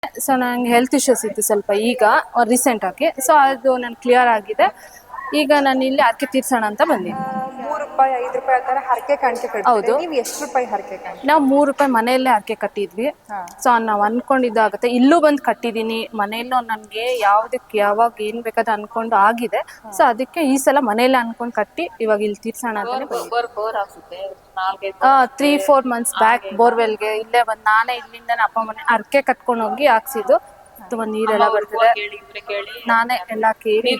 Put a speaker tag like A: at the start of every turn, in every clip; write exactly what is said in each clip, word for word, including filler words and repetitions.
A: So ನಂಗೆ health issues ಇತ್ತು ಸ್ವಲ್ಪ ಈಗ ರೀಸೆಂಟ್ ಆಗಿ. ಸೊ ಅದು ನನ್ ಕ್ಲಿಯರ್ ಆಗಿದೆ. ಈಗ ನಾನು ಇಲ್ಲಿ ಹರಕೆ ತೀರ್ಸೋಣ ಅಂತ ಬಂದಿದ್ದೀನಿ.
B: ಮೂರು ರೂಪಾಯಿ ಐದು ರೂಪಾಯಿ ಆ ಥರ ಹರಕೆ ಕಾಣಿಕೆ ಕಟ್ತೀರಿ.
A: ಹೌದು.
B: ನೀವು ಎಷ್ಟು ರೂಪಾಯಿ ಹರಕೆ ಕಾಣಿಕೆ?
A: ನಾವು ಮೂರು ರೂಪಾಯಿ ಮನೆಯಲ್ಲೇ ಹರಕೆ ಕಟ್ಟಿದ್ವಿ.
B: ಹಾ.
A: ಸೊ ನಾವು ಅನ್ಕೊಂಡಿದ್ದಾಗುತ್ತೆ. ಇಲ್ಲೂ ಬಂದು ಕಟ್ಟಿದ್ದೀನಿ. ಮನೆಯಲ್ಲೂ ನನಗೆ ಯಾವುದಕ್ಕೆ ಯಾವಾಗ ಏನು ಬೇಕಾದ ಅನ್ಕೊಂಡು ಆಗಿದೆ. ಸೊ ಅದಕ್ಕೆ ಈ ಸಲ ಮನೆಯಲ್ಲೇ ಅನ್ಕೊಂಡು ಕಟ್ಟಿ ಇವಾಗ ಇಲ್ಲಿ ತೀರ್ಸೋಣ ಅಂತಾನೆ ತ್ರೀ ಫೋರ್ ಮಂತ್ಸ್ ಬ್ಯಾಕ್ ಬೋರ್ವೆಲ್ಗೆ ಇಲ್ಲೇ ಬಂದು ನಾನೇ ಇಲ್ಲಿಂದ ಅಪ್ಪ ಮನೆ ಹರಕೆ ಕಟ್ಕೊಂಡು ಹೋಗಿ ಹಾಕ್ಸಿದ್ದು. ತುಂಬಾ ನೀರೆಲ್ಲ ಬರ್ತದೆ. ನಾನೇ ಎಲ್ಲ ಕೇಳಿ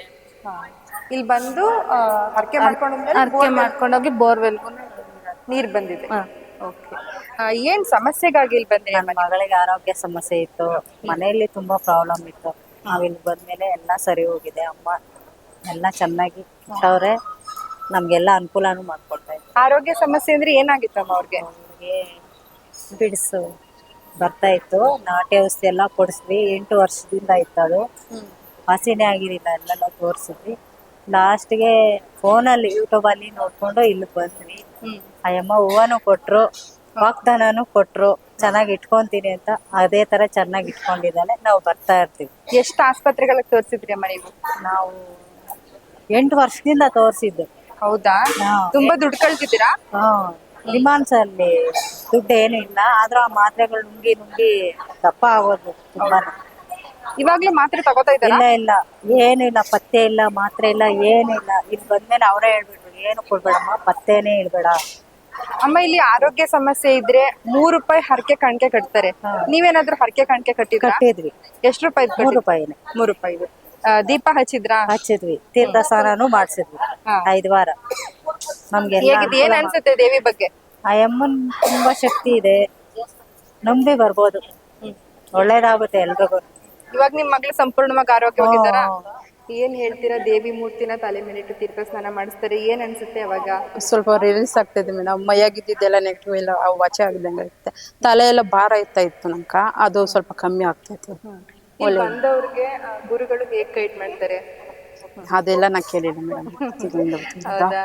B: ಇಲ್ಲಿ ಬಂದು ಹರಕೆ ಮಾಡ್ಕೊಂಡು
A: ಹರಕೆ ಮಾಡ್ಕೊಂಡೋಗಿ ಬೋರ್ವೆಲ್ಗೂ
B: ನೀರ್ ಬಂದಿದೆ. ಓಕೆ. ಏನ್ ಸಮಸ್ಯೆಗಾಗಿ ಇಲ್ಲಿ ಬಂದ್ರೆ?
C: ನನ್ನ ಮಗಳಿಗೆ ಆರೋಗ್ಯ ಸಮಸ್ಯೆ ಇತ್ತು, ಮನೆಯಲ್ಲಿ ತುಂಬಾ ಪ್ರಾಬ್ಲಮ್ ಇತ್ತು. ನಾವ್ ಇಲ್ಲಿ ಬಂದ್ಮೇಲೆ ಎಲ್ಲ ಸರಿ ಹೋಗಿದೆ. ಅಮ್ಮ ಎಲ್ಲ ಚೆನ್ನಾಗಿ ಅವ್ರೆ ನಮ್ಗೆಲ್ಲ ಅನುಕೂಲನೂ ಮಾಡ್ಕೊಡ್ತಾ ಇದ್ರು.
B: ಆರೋಗ್ಯ ಸಮಸ್ಯೆ ಅಂದ್ರೆ ಏನಾಗಿತ್ತಮ್ಮ ಅವ್ರಿಗೆ?
C: ಅವ್ರಿಗೆ ಬಿಡಿಸು ಬರ್ತಾ ಇತ್ತು. ನಾಟಿ ಔಷಧಿ ಎಲ್ಲ ಕೊಡಿಸ್ವಿ. ಎಂಟು ವರ್ಷದಿಂದ ಇತ್ತು ಅದು. ಹಸಿನೇ ಆಗಿರಲಿಲ್ಲ. ಎಲ್ಲೆಲ್ಲ ತೋರಿಸಿದ್ವಿ. ಲಾಸ್ಟ್ಗೆ ಫೋನಲ್ಲಿ ಯೂಟ್ಯೂಬಲ್ಲಿ ನೋಡ್ಕೊಂಡು ಇಲ್ಲಿ ಬಂದ್ವಿ. ಅಯ್ಯಮ್ಮ ಹೂವನು ಕೊಟ್ರು, ವಾಗ್ದಾನನು ಕೊಟ್ರು, ಚೆನ್ನಾಗಿ ಇಟ್ಕೊಂತೀನಿ ಅಂತ. ಅದೇ ತರ ಚೆನ್ನಾಗಿ ಇಟ್ಕೊಂಡಿದ್ದಾಳೆ. ನಾವು ಬರ್ತಾ ಇರ್ತೀವಿ.
B: ಎಷ್ಟು ಆಸ್ಪತ್ರೆಗಳಿಗೆ ತೋರಿಸಿದ್ರಿ ಅಮ್ಮ ನೀವು?
C: ನಾವು ಎಂಟು ವರ್ಷದಿಂದ ತೋರಿಸಿದ್ದು.
B: ಹೌದಾ? ತುಂಬಾ ದುಡ್ಡು ಕಳ್ತಿದ್ದೀರಾ?
C: ಹಾ, ಡಿಮಾಂಡ್ಸ್ ಅಲ್ಲಿ ದುಡ್ಡು ಏನು ಇಲ್ಲ, ಆದ್ರೂ ಆ ಮಾತ್ರೆಗಳು ನುಂಗಿ ನುಂಗಿ ದಪ್ಪ ಆಗೋದು ತುಂಬಾ.
B: ಇವಾಗ್ಲೂ ಮಾತ್ರೆ ತಗೋತಾ ಇದ್ದಾರಾ?
C: ಇಲ್ಲ ಇಲ್ಲ, ಏನು ಇಲ್ಲ, ಪತ್ತೆ ಇಲ್ಲ, ಮಾತ್ರೆ ಇಲ್ಲ, ಏನಿಲ್ಲ. ಇಲ್ಲಿ ಬಂದ್ಮೇಲೆ ಅವರೇ ಹೇಳ್ಬಿಟ್ರು, ಏನು ಕೊಡ್ಬೇಡಮ್ಮ, ಪತ್ತೇನೇ ಇಡ್ಬೇಡ.
B: ಅಮ್ಮ ಇಲ್ಲಿ ಆರೋಗ್ಯ ಸಮಸ್ಯೆ ಇದ್ರೆ ಮೂರು ರೂಪಾಯಿ ಹರಕೆ ಕಾಣಿಕೆ ಕಟ್ತಾರೆ. ನೀವೇನಾದ್ರೂ ಹರಕೆ ಕಾಣಿಕೆ ಕಟ್ಟಿದ್ರಾ?
C: ಕಟ್ಟಿದ್ವಿ.
B: ಎಷ್ಟು ರೂಪಾಯಿ?
C: ಮೂರು ರೂಪಾಯಿನೇ.
B: ಮೂರು ರೂಪಾಯಿ. ದೀಪ ಹಚ್ಚಿದ್ರಾ?
C: ಹಚ್ಚಿದ್ವಿ. ತೀರ್ಥ ಸ್ನಾನನೂ ಮಾಡ್ಸಿದ್ವಿ ಐದು ವಾರ. ನಮ್ಗೆ
B: ಹೇಗಿದೆ? ಏನ್ ಅನ್ಸುತ್ತೆ ದೇವಿ ಬಗ್ಗೆ?
C: ಆ ಅಮ್ಮನ್ ತುಂಬಾ ಶಕ್ತಿ ಇದೆ, ನಂಬಿ ಬರ್ಬೋದು, ಒಳ್ಳೇದಾಗುತ್ತೆ ಎಲ್ರಿಗೂ.
B: ಇವಾಗ ನಿಮ್ ಮಗಳು ಸಂಪೂರ್ಣವಾಗಿ ಆರೋಗ್ಯವಾಗಿದ್ದಾರಾ? ಏನ್ ಹೇಳ್ತೀರಾ? ದೇವಿ ಮೂರ್ತಿನ ತಲೆ ಮೇಲಿಟ್ಟು ತೀರ್ಥ ಸ್ನಾನ ಮಾಡಿಸ್ತಾರೆ, ಏನ್ ಅನ್ಸುತ್ತೆ ಅವಾಗ?
D: ಸ್ವಲ್ಪ ರಿಲೀಸ್ ಆಗ್ತದೆ ಮೇಡಮ್. ಮೈಯಾಗಿದ್ದೆಲ್ಲ ನೆಗೆಟಿವ್ ಎಲ್ಲ ವಾಚ ಆಗದಂಗೆ ಇರುತ್ತೆ. ತಲೆ ಎಲ್ಲ ಭಾರ ಇರ್ತಾ ಇತ್ತು ನಮ್ಕ, ಅದು ಸ್ವಲ್ಪ ಕಮ್ಮಿ ಆಗ್ತೈತೆ.
B: ಬಂದವ್ರಿಗೆ ಗುರುಗಳು ಹೇಗ್ ಗೈಡ್ ಮಾಡ್ತಾರೆ?
D: ಅದೆಲ್ಲ ನಾ ಕೇಳಿಲ್ಲ ಮೇಡಮ್.
B: ಹೌದಾ?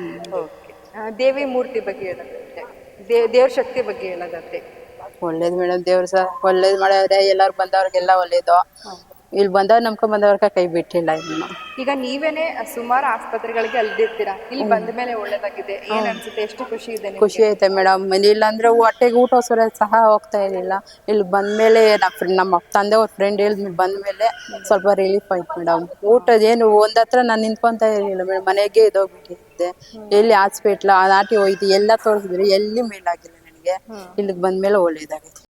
B: ದೇವಿ ಮೂರ್ತಿ ಬಗ್ಗೆ ಹೇಳೋದಾದ್ರೆ, ದೇವ್ರ ಶಕ್ತಿ ಬಗ್ಗೆ ಹೇಳೋದಾದ್ರೆ?
D: ಒಳ್ಳೇದು ಮೇಡಮ್. ದೇವ್ರ ಸಹ ಒಳ್ಳೇದು ಮಾಡ್ಯಾರೆ. ಎಲ್ಲಾರು ಬಂದವ್ರಿಗೆಲ್ಲ ಒಳ್ಳೇದು. ಇಲ್ಲಿ ಬಂದವ್ರು ನಮ್ಕೊಂಡ್ ಬಂದವ್ರ ಕೈ ಬಿಟ್ಟಿಲ್ಲ ಇನ್ನು.
B: ಈಗ ನೀವೇನೆ ಸುಮಾರು ಆಸ್ಪತ್ರೆಗಳಿಗೆ ಅಲ್ದಿರ್ತೀರಾ, ಇಲ್ಲಿ ಬಂದ ಮೇಲೆ ಒಳ್ಳೇದಾಗಿದೆ, ಏನ್ ಅನ್ಸುತ್ತೆ? ಎಷ್ಟು ಖುಷಿ ಇದೆ?
D: ಖುಷಿ ಐತೆ ಮೇಡಮ್. ಇಲ್ಲ ಅಂದ್ರೆ ಹೊಟ್ಟೆಗೆ ಊಟ ಸರ ಸಹ ಹೋಗ್ತಾ ಇರಲಿಲ್ಲ. ಇಲ್ಲಿ ಬಂದ್ಮೇಲೆ ನಮ್ಮ ತಂದೆ ಅವ್ರ ಫ್ರೆಂಡ್ ಹೇಳಿದ್ ಬಂದ್ಮೇಲೆ ಸ್ವಲ್ಪ ರಿಲೀಫ್ ಆಯ್ತು ಮೇಡಮ್. ಊಟದ ಏನು ಒಂದ್ ಹತ್ರ ನಾನು ನಿಂತ್ಕೊಂತ ಇರಲಿಲ್ಲ ಮೇಡಮ್. ಮನೆಗೆ ಇದೋಗ್ಬಿಟ್ಟಿದ್ದೆ. ಎಲ್ಲಿ ಹಾಸ್ಪಿಟ್ಲ್ ನಾಟಿ ಹೋಯ್ತು ಎಲ್ಲ ತೋರಿಸಿದ್ರು, ಎಲ್ಲಿ ಮೇಲಾಗಿಲ್ಲ ನನಗೆ. ಇಲ್ಲಿಗೆ ಬಂದ್ಮೇಲೆ ಒಳ್ಳೇದಾಗೈತೆ.